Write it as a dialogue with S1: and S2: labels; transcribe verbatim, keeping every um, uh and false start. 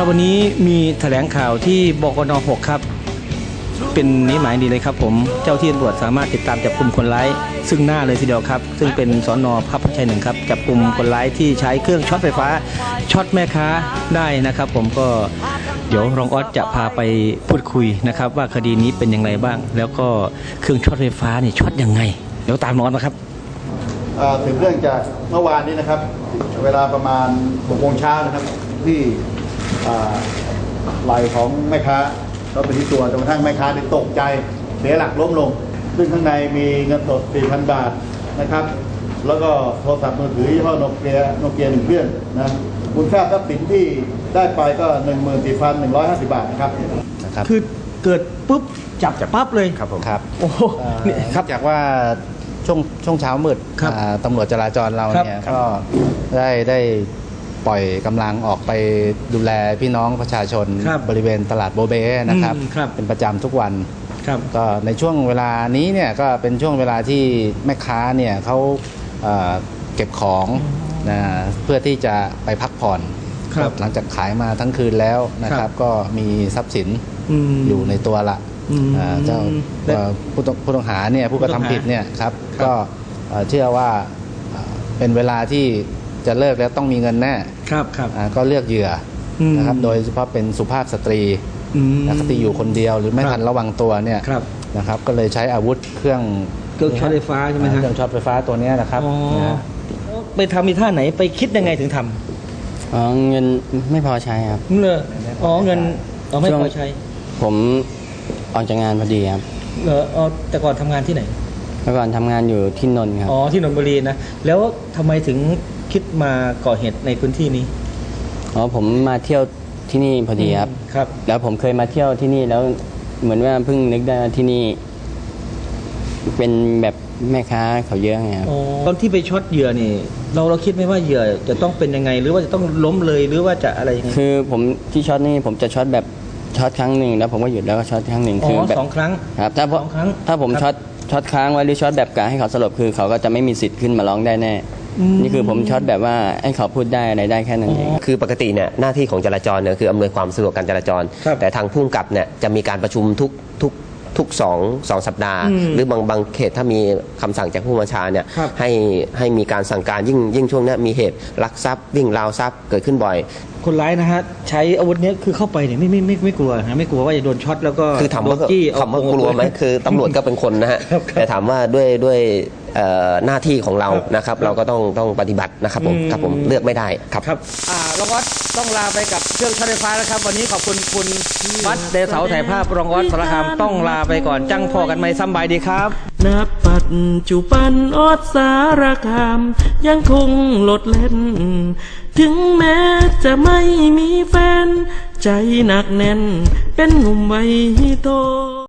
S1: ครับวันนี้มีแถลงข่าวที่บกน.หกครับเป็นนิหมายดีเลยครับผมเจ้าที่ตำรวจสามารถติดตามจับกลุ่มคนร้ายซึ่งหน้าเลยทีเดียวครับซึ่งเป็นสน.พระพชัยหนึ่งครับจับกลุ่มคนร้ายที่ใช้เครื่องช็อตไฟฟ้าช็อตแม่ค้าได้นะครับผมก็เดี๋ยวรองออสจะพาไปพูดคุยนะครับว่าคดีนี้เป็นยังไงบ้างแล้วก็เครื่องช็อตไฟฟ้านี่ช็อตยังไงเดี๋ยวตามรองออสนะครับ
S2: ถึงเรื่องจากเมื่อวานนี้นะครับเวลาประมาณหกโมงเช้านะครับที่ไหล่ของแม่ค้าเราไปที่ตัวจนกระทั่งแม่ค้าได้ตกใจเสียหลักล้มลงซึ่งข้างในมีเงินสด สี่พัน บาทนะครับแล้วก็โทรศัพท์มือถือยี่ห้อโนเกียโนเกียหนึ่งเครื่องนะมูลค่าทรัพย์สินที่ได้ไปก็ หนึ่งหมื่นสี่พันหนึ่งร้อยห้าสิบ บาทนะครับ
S1: คือเกิดปุ๊บจับปั๊บเลย
S3: ครับผม
S1: ครับโอ้โห
S3: ครับจากว่าช่วงช่วงเช้ามืดตำรวจจราจรเราเนี่ยก็ได้ได้ปล่อยกำลังออกไปดูแลพี่น้องประชาชนบริเวณตลาดโบเบ้นะครับเป็นประจำทุกวันก็ในช่วงเวลานี้เนี่ยก็เป็นช่วงเวลาที่แม่ค้าเนี่ยเขาเก็บของนะเพื่อที่จะไปพักผ่อนหลังจากขายมาทั้งคืนแล้วนะครับก็มีทรัพย์สินอยู่ในตัวละเจ้าผู้ต้องหาเนี่ยผู้กระทำผิดเนี่ยครับก็เชื่อว่าเป็นเวลาที่จะเลิกแล้วต้องมีเงินแน่
S1: ครับครับ
S3: ก็เลือกเหยื่อนะครับโดยเฉพาะเป็นสุภาพสตรีนะครับที่อยู่คนเดียวหรือไม่ทันระวังตัวเนี่ยนะครับก็เลยใช้อาวุธเครื่อง
S1: เครื่องช็อตไฟฟ้าใช่ไหมครับ
S3: เครื่องช็อตไฟฟ้าตัวนี้นะครับ
S1: ไปทำมีท่าไหนไปคิดยังไงถึงทำ
S4: อ๋อเงินไม่พอใช้ครับ
S1: เลยอ๋อเงินอ๋อไม่พอใช้
S4: ผมออกจากงานพอดีครับ
S1: เหรออ๋อแต่ก่อนทำงานที่ไหน
S4: เมื่อก่อนทำงานอยู่ที่นนท์ครับ
S1: อ๋อที่นนทบุรีนะแล้วทำไมถึงคิดมาก่อเหตุในพื้นที่นี้
S4: อ๋อผมมาเที่ยวที่นี่พอดีครับ
S1: ครับ
S4: แล้วผมเคยมาเที่ยวที่นี่แล้วเหมือนว่าเพิ่งนึกได้ที่นี่เป็นแบบแม่ค้าเขาเยอะไงครับ
S1: ตอนที่ไปช็อตเหยื่อนี่เราเราคิดไหมว่าเหยื่อจะต้องเป็นยังไงหรือว่าจะต้องล้มเลยหรือว่าจะอะไรยังไง
S4: คือผมที่ช็อตนี่ผมจะช็อตแบบช็อตครั้งหนึ่งแล้วผมก็หยุดแล้วก็ช็อตครั้งหนึ่ง
S1: คือแบบสองครั้ง
S4: ครับถ้าผมถ้าผมช็อตช็อตค้างไว้หรือช็อตแบบกะให้เขาสลบคือเขาก็จะไม่มีสิทธิ์ขึ้นมาร้องได้แน่นี่คือผมช็อตแบบว่าให้เขาพูดได้อะไรได้แค่นั้นเอง
S5: คือปกติเนี่ยหน้าที่ของจราจรเนี่ยคืออำนวยความสะดวกการจราจรแต่ทางผู้กำกับเนี่ยจะมีการประชุมทุกทุกทุกสองสองสัปดาห์หรือบางบางเขตถ้ามีคำสั่งจากผู้บัญชาเนี่ยให้ให้มีการสั่งการยิ่งยิ่งช่วงนี้มีเหตุลักทรัพย์วิ่งราวทรัพย์เกิดขึ้นบ่อย
S1: คนร้ายนะฮะใช้อาวุธนี้คือเข้าไปเนี่ยไม่ไม่ไม่ไม่กลัวนะไม่กลัวว่าจะโดนช็อตแล้วก็
S5: คือถามว่าถามว่ากลัวไหมคือตำรวจก็เป็นคนนะฮะแต่ถามว่าด้วยด้วยหน้าที่ของเรานะครับเราก็ต้องต้องปฏิบัตินะครับผมครับผมเลือกไม่ได้ครับ
S1: ครับอ่ารองออสต้องลาไปกับเครื่องช็อตไฟฟ้าแล้วครับวันนี้ขอบคุณคุณวัดเดชเสาถ่ายภาพรองออสสารคามต้องลาไปก่อนจังพอกันไหมซ้ำบายดีครับ
S6: นับปัจจุบันออสสารคามยังคงโลดเล่นถึงแม้จะไม่มีแฟนใจหนักแน่นเป็นหนุ่มวัยโต